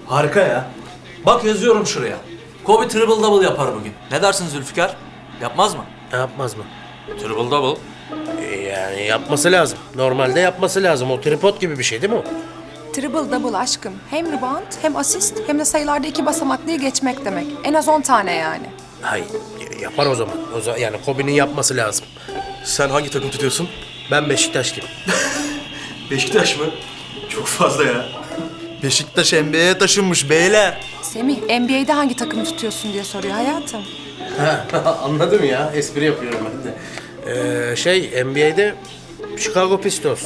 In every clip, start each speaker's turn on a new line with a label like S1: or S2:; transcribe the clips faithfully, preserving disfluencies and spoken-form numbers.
S1: Harika ya. Bak yazıyorum şuraya. Kobe triple double yapar bugün. Ne dersin Zülfikar? Yapmaz mı?
S2: Ne yapmaz mı?
S1: Triple double.
S2: E, yani yapması lazım. Normalde yapması lazım. O tripod gibi bir şey değil mi o?
S3: Triple double aşkım. Hem rebound hem asist hem de sayılarda iki basamaklıyı geçmek demek. En az on tane yani.
S2: Hayır. Yapar o zaman. O zaman yani Kobe'nin yapması lazım.
S4: Sen hangi takım tutuyorsun?
S2: Ben Beşiktaşlıyım.
S4: Beşiktaş mı? Çok fazla ya.
S5: Beşiktaş N B A'ye taşınmış beyler.
S3: Semih, N B A'de hangi takımı tutuyorsun diye soruyor hayatım.
S2: Anladım ya. Espri yapıyorum ben de. Ee, şey N B A'de Chicago Pistons.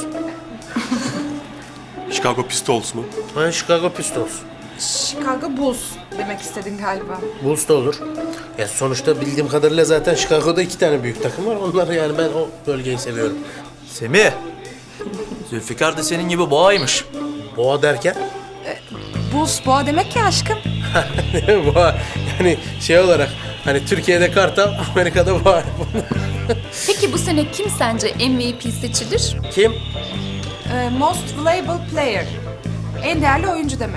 S4: Chicago Pistols mu?
S2: Ha, Chicago Pistons.
S3: Chicago Bulls demek istedin galiba.
S2: Bulls da olur. Ya sonuçta bildiğim kadarıyla zaten Chicago'da iki tane büyük takım var. Onlar yani ben o bölgeyi seviyorum.
S1: Semih. Zülfikar da senin gibi boğaymış.
S2: Boğa derken?
S3: Bulls boğa demek ya aşkım.
S2: Boğa yani şey olarak hani Türkiye'de kartal, Amerika'da boğa.
S6: Peki bu sene kim sence M V P seçilir?
S2: Kim?
S3: Ee, most valuable player. En değerli oyuncu demek.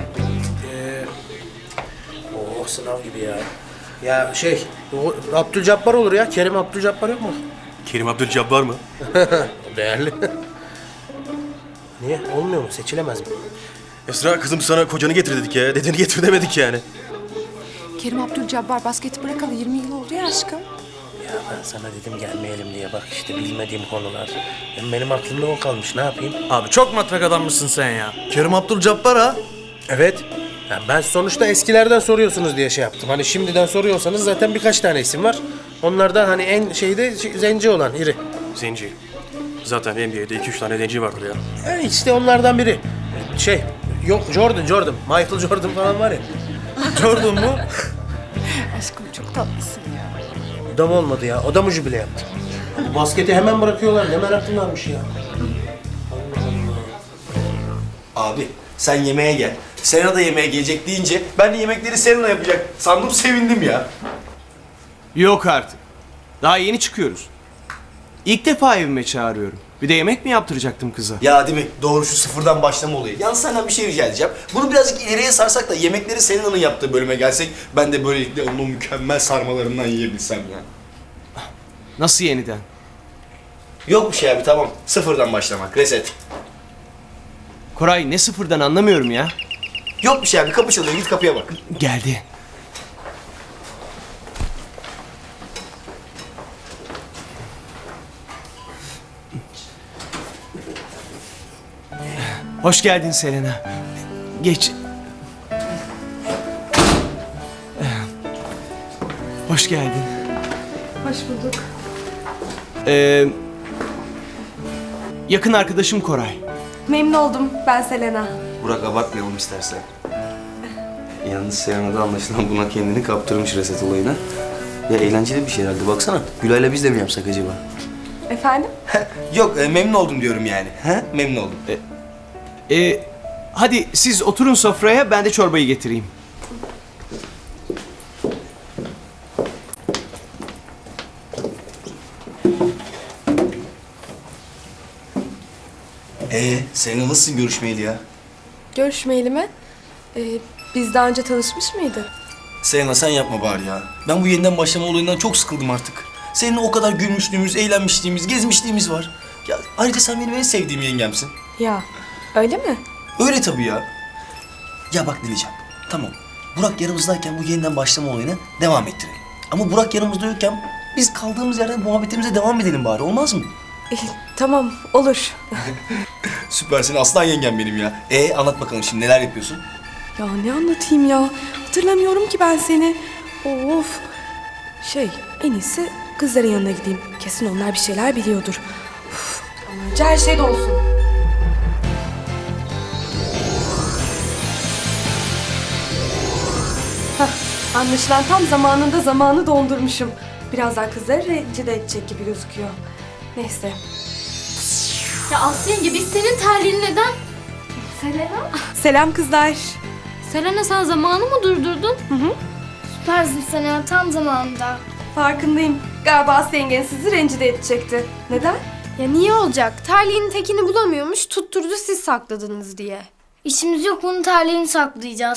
S2: Oo sınav gibi ya. Ya şey, o Abdülcabbar olur ya. Kerim Abdülcabbar yok mu?
S4: Kerim Abdülcabbar mı?
S2: O değerli. Niye? Olmuyor mu? Seçilemez mi?
S4: Esra kızım sana kocanı getir dedik ya. Dedeni getir demedik yani.
S3: Kerim Abdülcabbar basketi bırakalı yirmi yıl oldu ya aşkım.
S2: Ya ben sana dedim gelmeyelim diye. Bak işte bilmediğim konular. Hem benim aklımda o kalmış. Ne yapayım?
S1: Abi çok matrak adammışsın sen ya.
S5: Kerim Abdülcabbar ha.
S2: Evet. Ya ben sonuçta eskilerden soruyorsunuz diye şey yaptım. Hani şimdiden soruyorsanız zaten birkaç tane isim var. Onlardan hani en şeyde şey, zenci olan, iri.
S4: Zenci. Zaten N B A'de iki üç tane zenci vardır ya.
S2: Yani işte onlardan biri. Şey, yok Jordan, Jordan. Michael Jordan falan var ya.
S5: Jordan mu?
S3: Aşkım çok tatlısın ya.
S2: O da mı olmadı ya? O da mı jübile yaptı? Bu basketi hemen bırakıyorlar. Ne meraklılarmış ya.
S7: Abi sen yemeğe gel. Serena da yemeğe gelecek deyince ben de yemekleri Serena yapacak. Sandım sevindim ya.
S8: Yok artık. Daha yeni çıkıyoruz. İlk defa evime çağırıyorum. Bir de yemek mi yaptıracaktım kıza?
S7: Ya değil mi? Doğru şu sıfırdan başlama olayı. Yalnız senden bir şey rica edeceğim. Bunu birazcık ileriye sarsak da yemekleri Serena'nın yaptığı bölüme gelsek ben de böylelikle onun o mükemmel sarmalarından yiyebilsem ya.
S8: Nasıl yeniden?
S7: Yok bir şey abi tamam. Sıfırdan başlamak. Reset.
S8: Koray ne sıfırdan anlamıyorum ya.
S7: Yok bir şey abi. Kapı çalıyor. Git kapıya bak.
S8: Geldi. Hoş geldin Selena. Geç. Hoş geldin.
S3: Hoş bulduk.
S8: Ee, yakın arkadaşım Koray.
S9: Memnun oldum. Ben Selena.
S7: Burak abartmayalım istersen. Yalnız Serena da anlaşılan buna kendini kaptırmış reset olayına. Ya eğlenceli bir şey herhalde. Baksana. Gülay'la biz de mi yapsak acaba?
S9: Efendim?
S7: Yok e, memnun oldum diyorum yani. He? Memnun oldum.
S8: Ee, hadi siz oturun sofraya, ben de çorbayı getireyim.
S7: Ee, Serena nasılsın görüşmeyeli ya?
S9: Görüşmeyeli mi? Ee, biz daha önce tanışmış mıydık?
S7: Serena sen yapma bari ya. Ben bu yeniden başlama olayından çok sıkıldım artık. Seninle o kadar gülmüşlüğümüz, eğlenmişliğimiz, gezmişliğimiz var. Ya ayrıca sen benim en sevdiğim yengemsin.
S9: Ya, öyle mi?
S7: Öyle tabii ya. Ya bak Dileciğim, tamam. Burak yanımızdayken bu yeniden başlama olayına devam ettirelim. Ama Burak yanımızda yokken biz kaldığımız yerden muhabbetimize devam edelim bari, olmaz mı?
S9: Ee, tamam, olur.
S7: Süpersin, aslan yengem benim ya. Ee anlat bakalım şimdi neler yapıyorsun?
S9: Ya ne anlatayım ya? Hatırlamıyorum ki ben seni. Of. Şey, en iyisi kızların yanına gideyim. Kesin onlar bir şeyler biliyordur. Uf, ama önce her şey de olsun. Hah, anlaşılan tam zamanında zamanı dondurmuşum. Birazdan kızları rencide edecek gibi gözüküyor. Neyse.
S6: Ya Aslı yenge biz senin terliğini neden? Selena?
S9: Selam kızlar.
S6: Selena sen zamanı mı durdurdun?
S9: Hı hı.
S10: Süpersin sen ya, tam zamanında.
S9: Farkındayım. Galiba Aslı yengen sizi rencide edecekti. Neden?
S10: Ya niye olacak? Terliğin tekini bulamıyormuş, tutturdu siz sakladınız diye. İşimiz yok, bunun terliğini saklayacağız.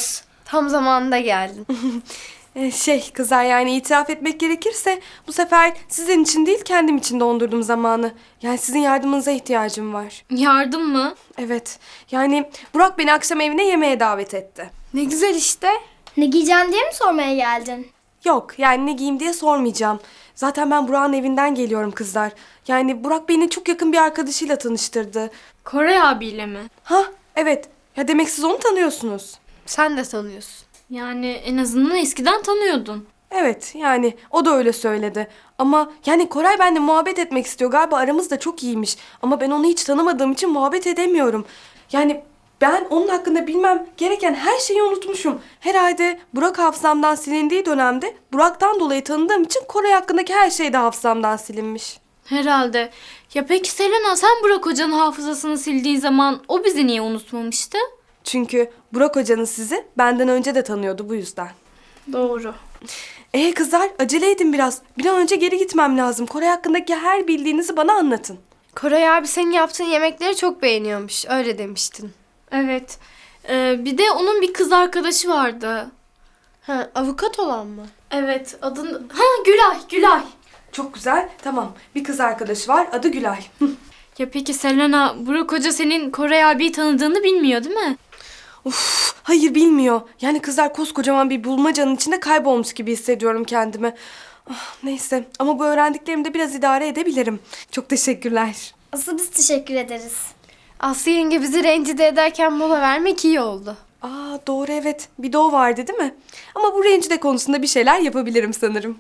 S10: Tam zamanında geldin.
S9: Ee, şey kızlar yani itiraf etmek gerekirse bu sefer sizin için değil kendim için dondurdum zamanı. Yani sizin yardımınıza ihtiyacım var.
S6: Yardım mı?
S9: Evet yani Burak beni akşam evine yemeğe davet etti.
S10: Ne güzel işte. Ne giyeceksin diye mi sormaya geldin?
S9: Yok yani ne giyeyim diye sormayacağım. Zaten ben Burak'ın evinden geliyorum kızlar. Yani Burak beni çok yakın bir arkadaşıyla tanıştırdı.
S6: Koray abiyle mi?
S9: Ha evet ya demek siz onu tanıyorsunuz.
S10: Sen de tanıyorsun.
S6: Yani en azından eskiden tanıyordun.
S9: Evet yani o da öyle söyledi. Ama yani Koray benimle muhabbet etmek istiyor. Galiba aramız da çok iyiymiş. Ama ben onu hiç tanımadığım için muhabbet edemiyorum. Yani ben onun hakkında bilmem gereken her şeyi unutmuşum. Herhalde Burak hafızamdan silindiği dönemde Burak'tan dolayı tanıdığım için Koray hakkındaki her şey de hafızamdan silinmiş.
S6: Herhalde. Ya peki Selena, sen Burak Hoca'nın hafızasını sildiği zaman o bizi niye unutmamıştı?
S9: Çünkü Burak hocanız sizi benden önce de tanıyordu bu yüzden.
S6: Doğru.
S9: Ee kızlar acele edin biraz. Bir an önce geri gitmem lazım. Koray hakkındaki her bildiğinizi bana anlatın.
S10: Koray abi senin yaptığın yemekleri çok beğeniyormuş. Öyle demiştin.
S6: Evet. Ee, bir de onun bir kız arkadaşı vardı.
S10: Ha, avukat olan mı?
S6: Evet, adını... Ha, Gülay, Gülay.
S9: Çok güzel. Tamam. Bir kız arkadaşı var. Adı Gülay.
S6: Ya peki Selena, Burak Hoca senin Koray abiyi tanıdığını bilmiyor değil mi?
S9: Uf, hayır bilmiyor. Yani kızlar koskocaman bir bulmacanın içinde kaybolmuş gibi hissediyorum kendimi. Ah, neyse ama bu öğrendiklerimde biraz idare edebilirim. Çok teşekkürler.
S10: Asıl biz teşekkür ederiz. Aslı yenge bizi rencide ederken mola vermek iyi oldu.
S9: Aa doğru evet. Bir de o vardı değil mi? Ama bu rencide konusunda bir şeyler yapabilirim sanırım.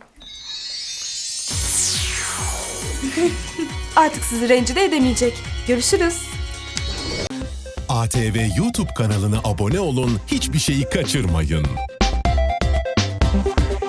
S9: Artık sizi rencide edemeyecek. Görüşürüz.
S11: A T V YouTube kanalına abone olun, hiçbir şeyi kaçırmayın.